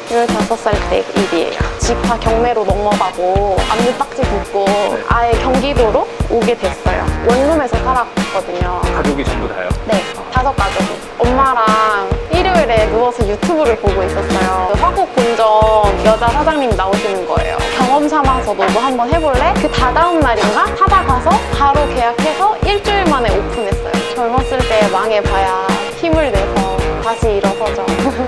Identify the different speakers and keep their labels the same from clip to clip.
Speaker 1: 15살 때 일이에요. 직파 경매로 넘어가고 압류딱지 붙고 아예 경기도로 오게 됐어요. 원룸에서 살았거든요.
Speaker 2: 가족이 전부 다요?
Speaker 1: 네, 5가족이. 엄마랑 일요일에 누워서 유튜브를 보고 있었어요. 그 화곡 본점 여자 사장님 나오시는 거예요. 경험 삼아서 너도 한번 해볼래? 그 다다음 날인가 찾아가서 바로 계약해서 일주일 만에 오픈했어요. 젊었을 때 망해봐야 힘을 내서 다시 일어서죠.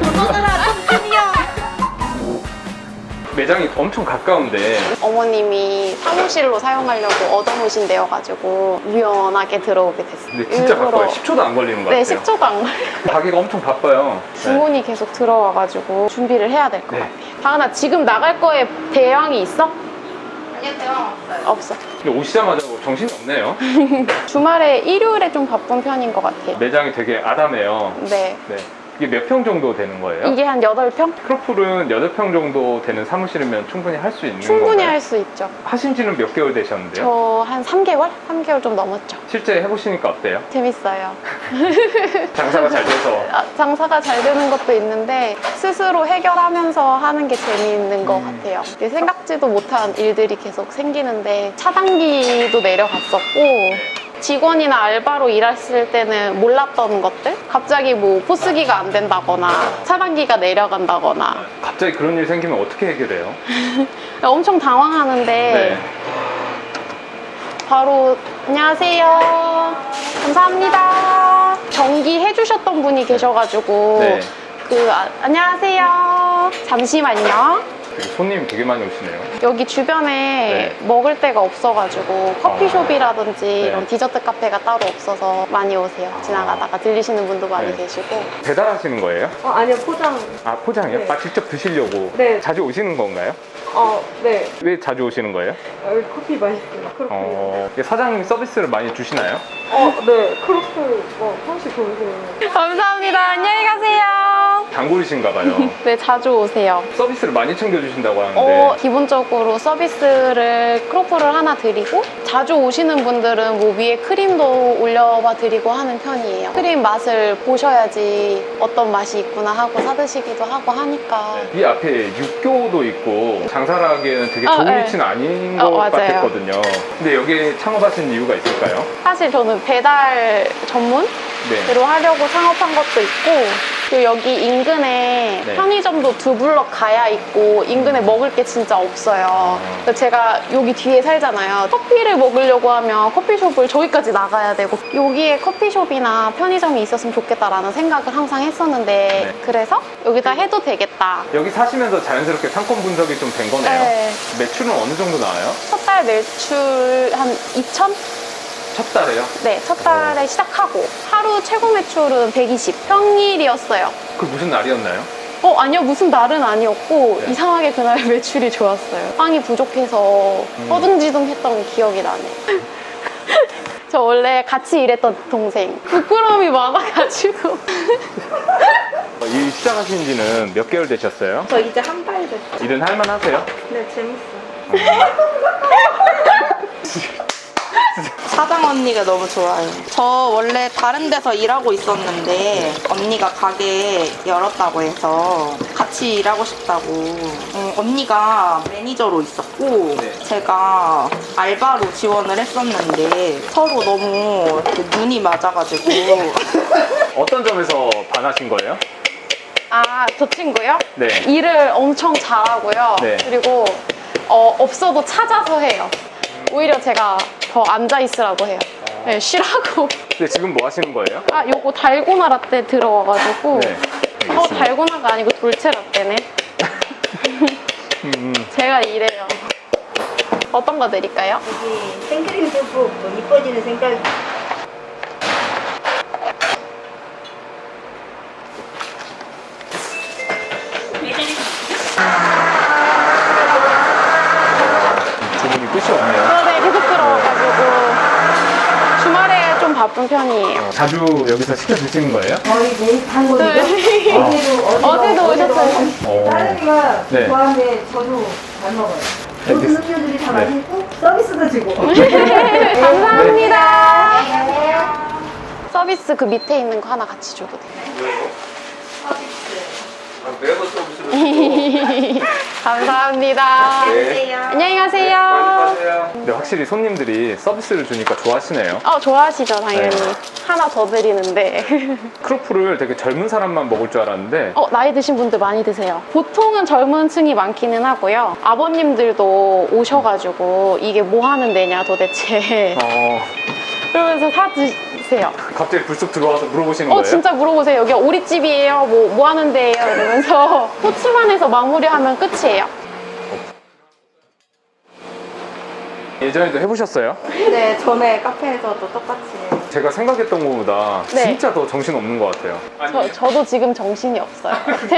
Speaker 2: 매장이 엄청 가까운데
Speaker 1: 어머님이 사무실로 사용하려고 얻어놓으신 데여가지고 유연하게 들어오게 됐어요.
Speaker 2: 근데 진짜 가까워요. 10초도 안 걸리는 것
Speaker 1: 네,
Speaker 2: 같아요.
Speaker 1: 10초도 안 걸려요.
Speaker 2: 가게가 엄청 바빠요.
Speaker 1: 주문이 계속 들어와가지고 준비를 해야 될 것
Speaker 2: 네.
Speaker 1: 같아요. 다은아, 지금 나갈 거에 대왕이 있어?
Speaker 3: 아니요, 대왕 없어요.
Speaker 1: 없어.
Speaker 2: 근데 오시자마자 정신이 없네요.
Speaker 1: 주말에 일요일에 좀 바쁜 편인 것 같아요.
Speaker 2: 매장이 되게 아담해요.
Speaker 1: 네.
Speaker 2: 네. 이게 몇 평 정도 되는 거예요?
Speaker 1: 이게 한 8평?
Speaker 2: 크로플은 8평 정도 되는 사무실이면 충분히 할 수 있는
Speaker 1: 충분히
Speaker 2: 건가요?
Speaker 1: 할 수 있죠.
Speaker 2: 하신 지는 몇 개월 되셨는데요?
Speaker 1: 저 한 3개월? 3개월 좀 넘었죠.
Speaker 2: 실제 해보시니까 어때요?
Speaker 1: 재밌어요.
Speaker 2: 장사가 잘 돼서.
Speaker 1: 장사가 잘 되는 것도 있는데 스스로 해결하면서 하는 게 재미있는 것 같아요. 생각지도 못한 일들이 계속 생기는데 차단기도 내려갔었고 직원이나 알바로 일했을 때는 몰랐던 것들? 갑자기 뭐 포스기가 안 된다거나 차단기가 내려간다거나
Speaker 2: 갑자기 그런 일 생기면 어떻게 해결해요?
Speaker 1: 엄청 당황하는데
Speaker 2: 네.
Speaker 1: 바로 안녕하세요. 감사합니다. 정기 해주셨던 분이 계셔가지고
Speaker 2: 네.
Speaker 1: 안녕하세요. 잠시만요.
Speaker 2: 손님 되게 많이 오시네요.
Speaker 1: 여기 주변에 먹을 데가 없어가지고 커피숍이라든지
Speaker 2: 네.
Speaker 1: 이런 디저트 카페가 따로 없어서 많이 오세요. 지나가다가 들리시는 분도 많이
Speaker 2: 네.
Speaker 1: 계시고.
Speaker 2: 배달하시는 거예요?
Speaker 3: 아니요, 포장.
Speaker 2: 아, 포장이요?
Speaker 3: 네.
Speaker 2: 아, 직접 드시려고?
Speaker 3: 네.
Speaker 2: 자주 오시는 건가요?
Speaker 3: 네.
Speaker 2: 왜 자주 오시는 거예요?
Speaker 3: 여기 커피 맛있어요. 크로플.
Speaker 2: 사장님이 서비스를 많이 주시나요?
Speaker 3: 네. 크로플, 향수 좋으세요.
Speaker 1: 감사합니다. 안녕히 가세요.
Speaker 2: 단골이신가 봐요.
Speaker 1: 네, 자주 오세요.
Speaker 2: 서비스를 많이 챙겨주신다고 하는데
Speaker 1: 기본적으로 서비스를 크로플을 하나 드리고 자주 오시는 분들은 뭐 위에 크림도 올려봐 드리고 하는 편이에요. 크림 맛을 보셔야지 어떤 맛이 있구나 하고 사드시기도 하고 하니까.
Speaker 2: 이 앞에 육교도 있고 장사를 하기에는 되게 좋은
Speaker 1: 네.
Speaker 2: 위치는 아닌 것
Speaker 1: 맞아요.
Speaker 2: 같았거든요. 근데 여기에 창업하신 이유가 있을까요?
Speaker 1: 사실 저는 배달 전문으로
Speaker 2: 네.
Speaker 1: 하려고 창업한 것도 있고 그리고 여기 인근에
Speaker 2: 네.
Speaker 1: 편의점도 2블럭 가야 있고 인근에 먹을 게 진짜 없어요. 그래서 제가 여기 뒤에 살잖아요. 커피를 먹으려고 하면 커피숍을 저기까지 나가야 되고 여기에 커피숍이나 편의점이 있었으면 좋겠다라는 생각을 항상 했었는데
Speaker 2: 네.
Speaker 1: 그래서 여기다 해도 되겠다.
Speaker 2: 여기 사시면서 자연스럽게 상권 분석이 좀 된 거네요.
Speaker 1: 네.
Speaker 2: 매출은 어느 정도 나와요?
Speaker 1: 첫 달 매출 한 2천?
Speaker 2: 첫 달에요?
Speaker 1: 네, 첫 달에 시작하고 하루 최고 매출은 120 평일이었어요.
Speaker 2: 그 무슨 날이었나요?
Speaker 1: 아니요, 무슨 날은 아니었고
Speaker 2: 네.
Speaker 1: 이상하게 그날 매출이 좋았어요. 빵이 부족해서 허둥지둥했던 기억이 나네요. 저 원래 같이 일했던 동생 부끄러움이 많아가지고
Speaker 2: 일 시작하신 지는 몇 개월 되셨어요?
Speaker 3: 저 이제 한 달 됐어요.
Speaker 2: 일은 할만하세요?
Speaker 3: 네, 재밌어요. 사장 언니가 너무 좋아요. 저 원래 다른 데서 일하고 있었는데 언니가 가게 열었다고 해서 같이 일하고 싶다고. 언니가 매니저로 있었고
Speaker 2: 네.
Speaker 3: 제가 알바로 지원을 했었는데 서로 너무 이렇게 눈이 맞아가지고
Speaker 2: 어떤 점에서 반하신 거예요?
Speaker 1: 저 친구요?
Speaker 2: 네.
Speaker 1: 일을 엄청 잘하고요.
Speaker 2: 네.
Speaker 1: 그리고 없어도 찾아서 해요. 오히려 제가 더 앉아있으라고 해요. 네, 쉬라고.
Speaker 2: 근데 지금 뭐 하시는 거예요?
Speaker 1: 요거 달고나 라떼 들어와가지고
Speaker 2: 네. 알겠습니다.
Speaker 1: 달고나가 아니고 돌체 라떼네. 제가 이래요. 어떤 거 드릴까요?
Speaker 4: 여기 생크림 듬뿍 또 이뻐지는 생각.
Speaker 2: 주문이 끝이 없네요.
Speaker 1: 네, 계속 들어와가지고 주말에 좀 바쁜 편이에요.
Speaker 2: 자주 여기서 시켜 드시는 거예요?
Speaker 4: 거의 매일 단골이죠?
Speaker 1: 네. 어제도 오셨어요.
Speaker 4: 다른 애가
Speaker 2: 네.
Speaker 4: 좋아하는데 저도 잘 먹어요. 모든
Speaker 2: 알겠습니다.
Speaker 4: 음료들이 다
Speaker 2: 네.
Speaker 4: 맛있고 서비스도 주고.
Speaker 1: 감사합니다. 서비스 그 밑에 있는 거 하나 같이 줘도 돼요.
Speaker 2: 매번 서비스를
Speaker 1: 감사합니다.
Speaker 2: 네.
Speaker 1: 안녕히 가세요.
Speaker 2: 근데 확실히 손님들이 서비스를 주니까 좋아하시네요.
Speaker 1: 좋아하시죠, 당연히.
Speaker 2: 네.
Speaker 1: 하나 더 드리는데.
Speaker 2: 크로플을 되게 젊은 사람만 먹을 줄 알았는데
Speaker 1: 나이 드신 분들 많이 드세요. 보통은 젊은 층이 많기는 하고요. 아버님들도 오셔가지고 이게 뭐 하는 데냐 도대체. 그러면서 사 드세요.
Speaker 2: 갑자기 불쑥 들어와서 물어보시는 거예요?
Speaker 1: 진짜 물어보세요. 여기 오리집이에요? 뭐 하는 데예요? 이러면서 호치만 해서 마무리하면 끝이에요.
Speaker 2: 예전에도 해보셨어요?
Speaker 3: 네, 전에 카페에서도 똑같이.
Speaker 2: 제가 생각했던 것보다
Speaker 1: 네.
Speaker 2: 진짜 더 정신 없는 것 같아요.
Speaker 1: 저도 지금 정신이 없어요.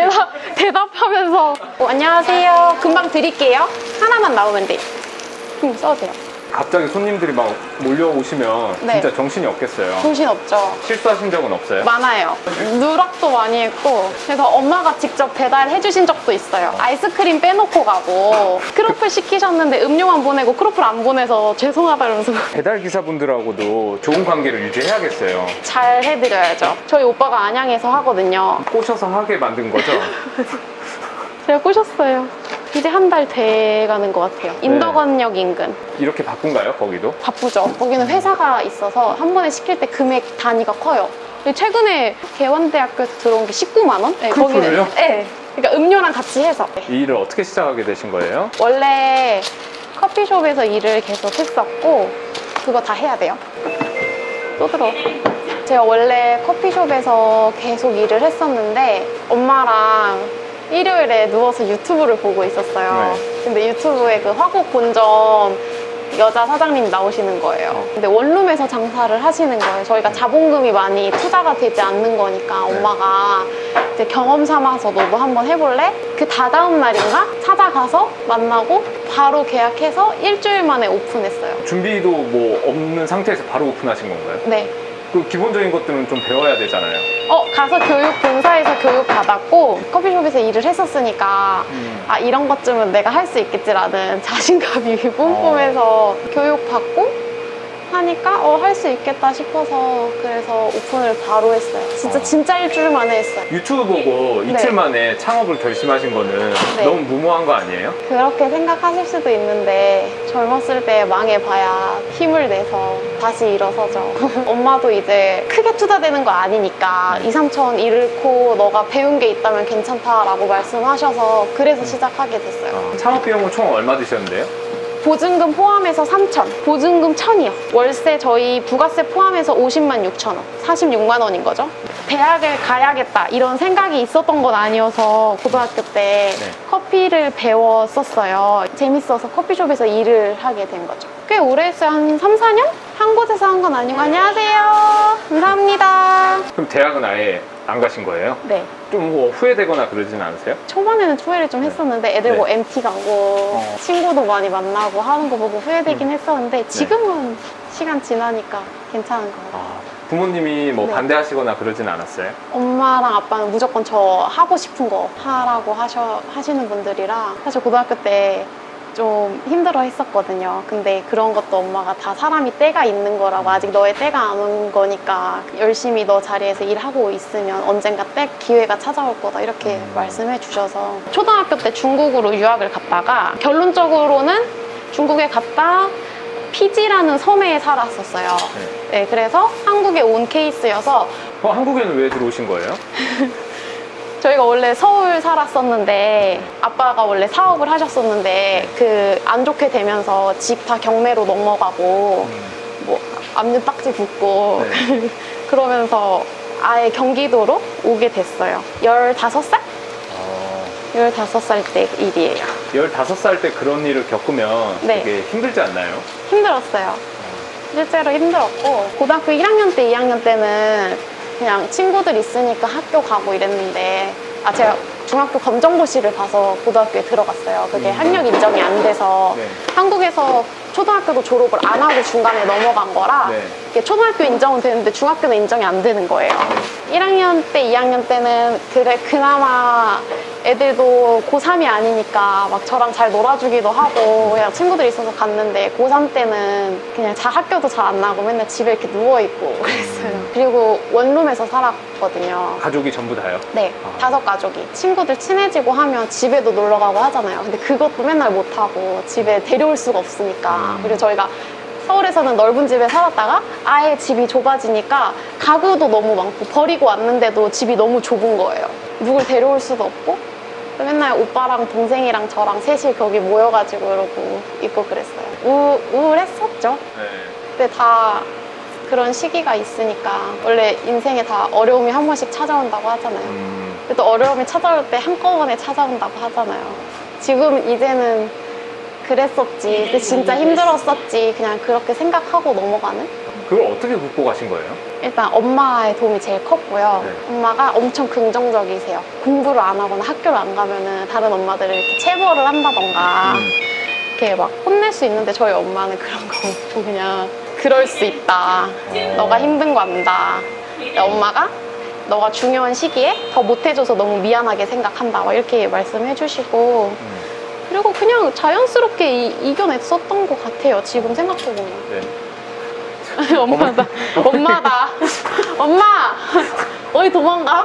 Speaker 1: 대답하면서 안녕하세요. 금방 드릴게요. 하나만 나오면 돼요. 써도 돼요.
Speaker 2: 갑자기 손님들이 막 몰려오시면
Speaker 1: 네.
Speaker 2: 진짜 정신이 없겠어요.
Speaker 1: 정신 없죠.
Speaker 2: 실수하신 적은 없어요?
Speaker 1: 많아요. 누락도 많이 했고 그래서 엄마가 직접 배달해 주신 적도 있어요. 아이스크림 빼놓고 가고 크로플 시키셨는데 음료만 보내고 크로플 안 보내서 죄송하다 이러면서
Speaker 2: 배달 기사분들하고도 좋은 관계를 유지해야겠어요.
Speaker 1: 잘 해드려야죠. 저희 오빠가 안양에서 하거든요.
Speaker 2: 꼬셔서 하게 만든 거죠?
Speaker 1: 제가 꼬셨어요. 이제 한 달 돼가는 것 같아요. 인덕원역 인근.
Speaker 2: 이렇게 바쁜가요, 거기도?
Speaker 1: 바쁘죠. 거기는 회사가 있어서 한 번에 시킬 때 금액 단위가 커요. 최근에 개원대학교에서 들어온 게 19만 원? 네,
Speaker 2: 크로플을요?
Speaker 1: 네. 그러니까 음료랑 같이 해서.
Speaker 2: 이 일을 어떻게 시작하게 되신 거예요?
Speaker 1: 원래 커피숍에서 일을 계속 했었고 그거 다 해야 돼요. 또 들어. 제가 원래 커피숍에서 계속 일을 했었는데 엄마랑 일요일에 누워서 유튜브를 보고 있었어요.
Speaker 2: 네.
Speaker 1: 근데 유튜브에 그 화곡 본점 여자 사장님 나오시는 거예요. 근데 원룸에서 장사를 하시는 거예요. 저희가 자본금이 많이 투자가 되지 않는 거니까 엄마가 이제 경험 삼아서 너도 한번 해볼래? 그 다다음 날인가 찾아가서 만나고 바로 계약해서 일주일 만에 오픈했어요.
Speaker 2: 준비도 뭐 없는 상태에서 바로 오픈하신 건가요?
Speaker 1: 네.
Speaker 2: 그 기본적인 것들은 좀 배워야 되잖아요.
Speaker 1: 가서 본사에서 교육 받았고 커피숍에서 일을 했었으니까 이런 것쯤은 내가 할 수 있겠지라는 자신감이 뿜뿜해서 교육 받고 하니까 할 수 있겠다 싶어서 그래서 오픈을 바로 했어요. 진짜 일주일 만에 했어요.
Speaker 2: 유튜브 보고
Speaker 1: 네.
Speaker 2: 이틀 만에 창업을 결심하신 거는
Speaker 1: 네.
Speaker 2: 너무 무모한 거 아니에요?
Speaker 1: 그렇게 생각하실 수도 있는데 젊었을 때 망해봐야 힘을 내서 다시 일어서죠. 엄마도 이제 크게 투자되는 거 아니니까 2, 3천 잃고 너가 배운 게 있다면 괜찮다라고 말씀하셔서 그래서 시작하게 됐어요.
Speaker 2: 창업 비용은 총 얼마 드셨는데요?
Speaker 1: 보증금 포함해서 3천, 보증금 1,000이요. 월세 저희 부가세 포함해서 50만 6천 원, 46만 원인 거죠. 대학을 가야겠다 이런 생각이 있었던 건 아니어서 고등학교 때
Speaker 2: 네.
Speaker 1: 커피를 배웠었어요. 재밌어서 커피숍에서 일을 하게 된 거죠. 꽤 오래 했어요. 한 3, 4년? 한 곳에서 한 건 아니고. 안녕하세요. 감사합니다.
Speaker 2: 그럼 대학은 아예 안 가신 거예요?
Speaker 1: 네.
Speaker 2: 좀 뭐 후회되거나 그러진 않으세요?
Speaker 1: 초반에는 후회를 좀 했었는데 애들 뭐
Speaker 2: 네.
Speaker 1: MT 가고 친구도 많이 만나고 하는 거 보고 후회되긴
Speaker 2: 네.
Speaker 1: 했었는데 지금은 시간 지나니까 괜찮은 것 같아요.
Speaker 2: 부모님이 뭐
Speaker 1: 네.
Speaker 2: 반대하시거나 그러진 않았어요?
Speaker 1: 엄마랑 아빠는 무조건 저 하고 싶은 거 하라고 하시는 분들이라 사실 고등학교 때 좀 힘들어 했었거든요. 근데 그런 것도 엄마가 다 사람이 때가 있는 거라고 아직 너의 때가 안 온 거니까 열심히 너 자리에서 일하고 있으면 언젠가 때 기회가 찾아올 거다 이렇게 말씀해 주셔서 초등학교 때 중국으로 유학을 갔다가 결론적으로는 중국에 갔다 피지라는 섬에 살았었어요. 네, 그래서 한국에 온 케이스여서
Speaker 2: 한국에는 왜 들어오신 거예요?
Speaker 1: 저희가 원래 서울 살았었는데 아빠가 원래 사업을 하셨었는데 그 안 좋게 되면서 집 다 경매로 넘어가고 뭐 앞니 딱지 붙고
Speaker 2: 네.
Speaker 1: 그러면서 아예 경기도로 오게 됐어요. 15살? 15살 때 일이에요.
Speaker 2: 15살 때 그런 일을 겪으면
Speaker 1: 네.
Speaker 2: 되게 힘들지 않나요?
Speaker 1: 힘들었어요. 실제로 힘들었고 고등학교 1학년 때 2학년 때는 그냥 친구들 있으니까 학교 가고 이랬는데 제가 중학교 검정고시를 봐서 고등학교에 들어갔어요. 그게 학력 인정이 안 돼서
Speaker 2: 네.
Speaker 1: 한국에서 초등학교도 졸업을 안 하고 중간에 넘어간 거라
Speaker 2: 네.
Speaker 1: 이게 초등학교 인정은 되는데 중학교는 인정이 안 되는 거예요. 1학년 때 2학년 때는 그나마 애들도 고3이 아니니까 막 저랑 잘 놀아주기도 하고 그냥 친구들이 있어서 갔는데 고3 때는 그냥 학교도 잘 안 나고 맨날 집에 이렇게 누워있고 그랬어요. 그리고 원룸에서 살았거든요.
Speaker 2: 가족이 전부 다요?
Speaker 1: 네, 5가족이. 친구들 친해지고 하면 집에도 놀러 가고 하잖아요. 근데 그것도 맨날 못하고 집에 데려올 수가 없으니까. 그리고 저희가 서울에서는 넓은 집에 살았다가 아예 집이 좁아지니까 가구도 너무 많고 버리고 왔는데도 집이 너무 좁은 거예요. 누굴 데려올 수도 없고 맨날 오빠랑 동생이랑 저랑 셋이 거기 모여가지고 이러고 있고 그랬어요. 우울했었죠.
Speaker 2: 네.
Speaker 1: 근데 다 그런 시기가 있으니까 원래 인생에 다 어려움이 한 번씩 찾아온다고 하잖아요. 또 어려움이 찾아올 때 한꺼번에 찾아온다고 하잖아요. 지금 이제는 그랬었지, 근데 진짜 힘들었었지, 그냥 그렇게 생각하고 넘어가는?
Speaker 2: 그걸 어떻게 극복하신 거예요?
Speaker 1: 일단 엄마의 도움이 제일 컸고요.
Speaker 2: 네.
Speaker 1: 엄마가 엄청 긍정적이세요. 공부를 안 하거나 학교를 안 가면은 다른 엄마들을 이렇게 체벌을 한다던가 이렇게 막 혼낼 수 있는데 저희 엄마는 그런 거 없고 그냥 그럴 수 있다. 너가 힘든 거 안다. 근데 엄마가 너가 중요한 시기에 더 못해줘서 너무 미안하게 생각한다. 막 이렇게 말씀해 주시고 그리고 그냥 자연스럽게 이겨냈었던 것 같아요. 지금 생각해보면.
Speaker 2: 네.
Speaker 1: 엄마다. 엄마다. 엄마! 어디 도망가?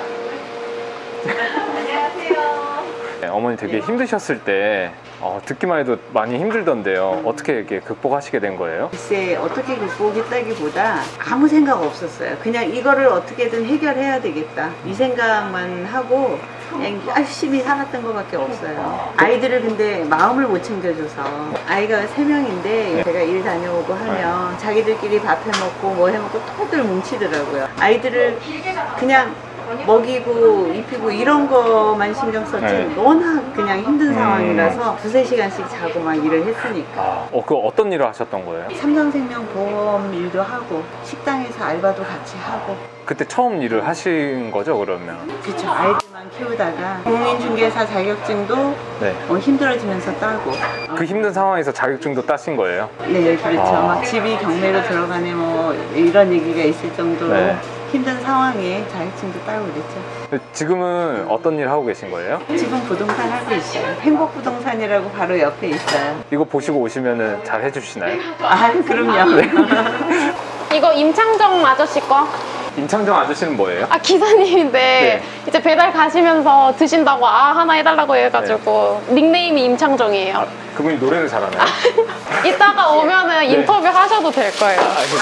Speaker 2: 네, 어머니 되게 힘드셨을 때 듣기만 해도 많이 힘들던데요. 어떻게 이렇게 극복하시게 된 거예요?
Speaker 5: 글쎄 어떻게 극복했다기보다 아무 생각 없었어요. 그냥 이거를 어떻게든 해결해야 되겠다 이 생각만 하고 그냥 열심히 살았던 것밖에 없어요. 아이들을 근데 마음을 못 챙겨줘서 아이가 3명인데 제가 일 다녀오고 하면 자기들끼리 밥 해먹고 뭐 해먹고 토들 뭉치더라고요. 아이들을 그냥 먹이고 입히고 이런 거만 신경 썼지
Speaker 2: 네.
Speaker 5: 워낙 그냥 힘든 상황이라서 2-3시간씩 자고 막 일을 했으니까.
Speaker 2: 그 어떤 일을 하셨던 거예요?
Speaker 5: 삼성생명 보험 일도 하고 식당에서 알바도 같이 하고.
Speaker 2: 그때 처음 일을 하신 거죠, 그러면?
Speaker 5: 그쵸. 아이들만 키우다가 공인중개사 자격증도
Speaker 2: 네.
Speaker 5: 힘들어지면서 따고.
Speaker 2: 그 힘든 상황에서 자격증도 따신 거예요?
Speaker 5: 네, 그렇죠.
Speaker 2: 아.
Speaker 5: 막 집이 경매로 들어가네 뭐 이런 얘기가 있을 정도로
Speaker 2: 네.
Speaker 5: 힘든 상황에 자격증도 따고 그랬죠.
Speaker 2: 지금은 어떤 일 하고 계신 거예요?
Speaker 5: 지금 부동산 하고 있어요. 행복부동산이라고 바로 옆에 있어요.
Speaker 2: 이거 보시고 오시면은 잘 해주시나요?
Speaker 5: 아, 그럼요.
Speaker 1: 이거 임창정 아저씨 거?
Speaker 2: 임창정 아저씨는 뭐예요?
Speaker 1: 아, 기사님인데
Speaker 2: 네.
Speaker 1: 이제 배달 가시면서 드신다고 하나 해달라고 해가지고 닉네임이 임창정이에요.
Speaker 2: 그분이 노래를 잘하나요?
Speaker 1: 이따가 오면은 인터뷰 하셔도 될 거예요.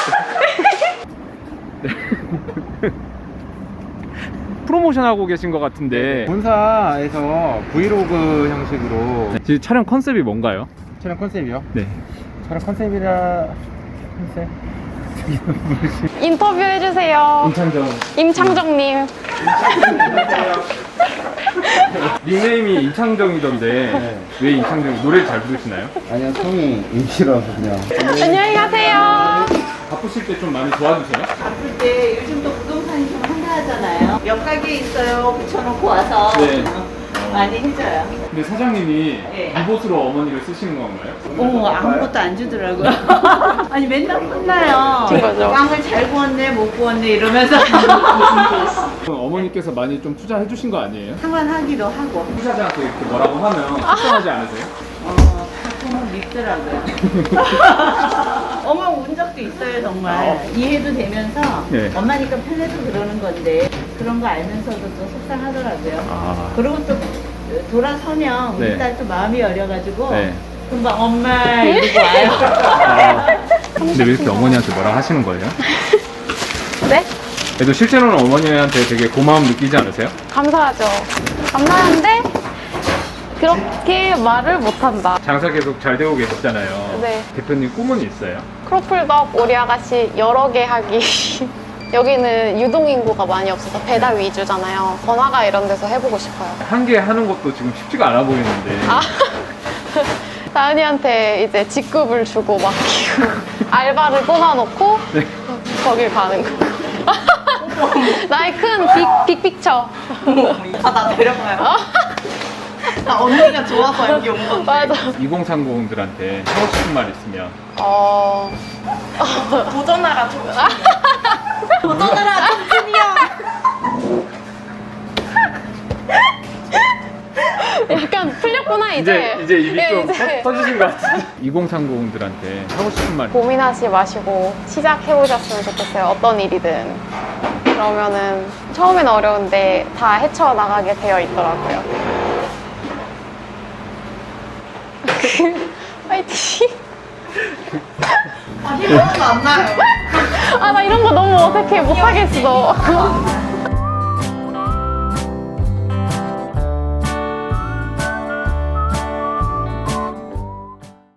Speaker 6: 프로모션 하고 계신 것 같은데 본사에서 브이로그 형식으로 지금 촬영 컨셉이 뭔가요?
Speaker 7: 촬영 컨셉이요?
Speaker 6: 네.
Speaker 7: 촬영 컨셉이라 컨셉?
Speaker 1: 인터뷰 해주세요.
Speaker 7: 임창정
Speaker 1: 임창정님.
Speaker 6: 닉네임이 임창정이던데 왜 임창정 노래 잘 부르시나요?
Speaker 7: 아니요 성이 임시라서 그냥
Speaker 1: 안녕히 가세요.
Speaker 6: 바쁘실 때 좀 많이 도와주세요?
Speaker 5: 바쁠 때 요즘도 부동산이 좀 한가하잖아요. 몇 가게 있어요. 붙여놓고 와서
Speaker 6: 네.
Speaker 5: 많이 해줘요.
Speaker 6: 근데 사장님이
Speaker 5: 네.
Speaker 6: 이곳으로 어머니를 쓰시는 건가요?
Speaker 5: 아무것도 안 주더라고요. 아니 맨날 혼나요.
Speaker 1: 맞아.
Speaker 5: 빵을 잘 구웠네 못 구웠네 이러면서
Speaker 6: 그럼 어머니께서 많이 좀 투자해 주신 거 아니에요?
Speaker 5: 상관하기도 하고
Speaker 6: 투자자한테 이렇게 뭐라고 하면 속상하지 않으세요?
Speaker 5: 가끔은 밉더라고요. 어머 운 적도 있어요 정말. 이해도 되면서
Speaker 6: 네.
Speaker 5: 엄마니까 편해서 그러는 건데 그런 거 알면서도 또 속상하더라고요.
Speaker 6: 아.
Speaker 5: 그리고 또 돌아서면 우리
Speaker 6: 네.
Speaker 5: 딸 또 마음이 열려가지고
Speaker 6: 네.
Speaker 5: 금방 엄마 이러고 와요.
Speaker 6: 근데 왜 이렇게 어머니한테 뭐라 하시는 거예요?
Speaker 1: 네?
Speaker 6: 그래도 실제로는 어머니한테 되게 고마움 느끼지 않으세요?
Speaker 1: 감사하죠. 감사한데 그렇게 말을 못한다.
Speaker 6: 장사 계속 잘 되고 계셨잖아요.
Speaker 1: 네.
Speaker 6: 대표님 꿈은 있어요?
Speaker 1: 크로플덕 오리 아가씨 여러 개 하기. 여기는 유동인구가 많이 없어서 배달 위주잖아요. 번화가 이런 데서 해보고 싶어요.
Speaker 6: 한 개 하는 것도 지금 쉽지가 않아 보이는데.
Speaker 1: 아, 다은이한테 이제 직급을 주고 맡기고 알바를 뽑아놓고
Speaker 6: 네.
Speaker 1: 거길 가는 거. 나의 큰 빅픽처.
Speaker 3: 나 데려가요. 나 언니가 좋아서 여기 온 건데.
Speaker 1: 맞아.
Speaker 6: 2030들한테 하고 싶은 말 있으면.
Speaker 3: 도전하라 좀. 도전하라 좀
Speaker 1: 약간 풀렸구나 이제.
Speaker 6: 이제 입이
Speaker 1: 예,
Speaker 6: 좀
Speaker 1: 이제.
Speaker 6: 터지신 것 같은데. 2030들한테 하고 싶은 말.
Speaker 1: 고민하지 마시고 시작해보셨으면 좋겠어요. 어떤 일이든. 그러면은 처음엔 어려운데 다 헤쳐나가게 되어 있더라고요. 파이팅!
Speaker 3: 이런 거안 나요.
Speaker 1: 아, 나 이런 거 너무 어색해. 못하겠어.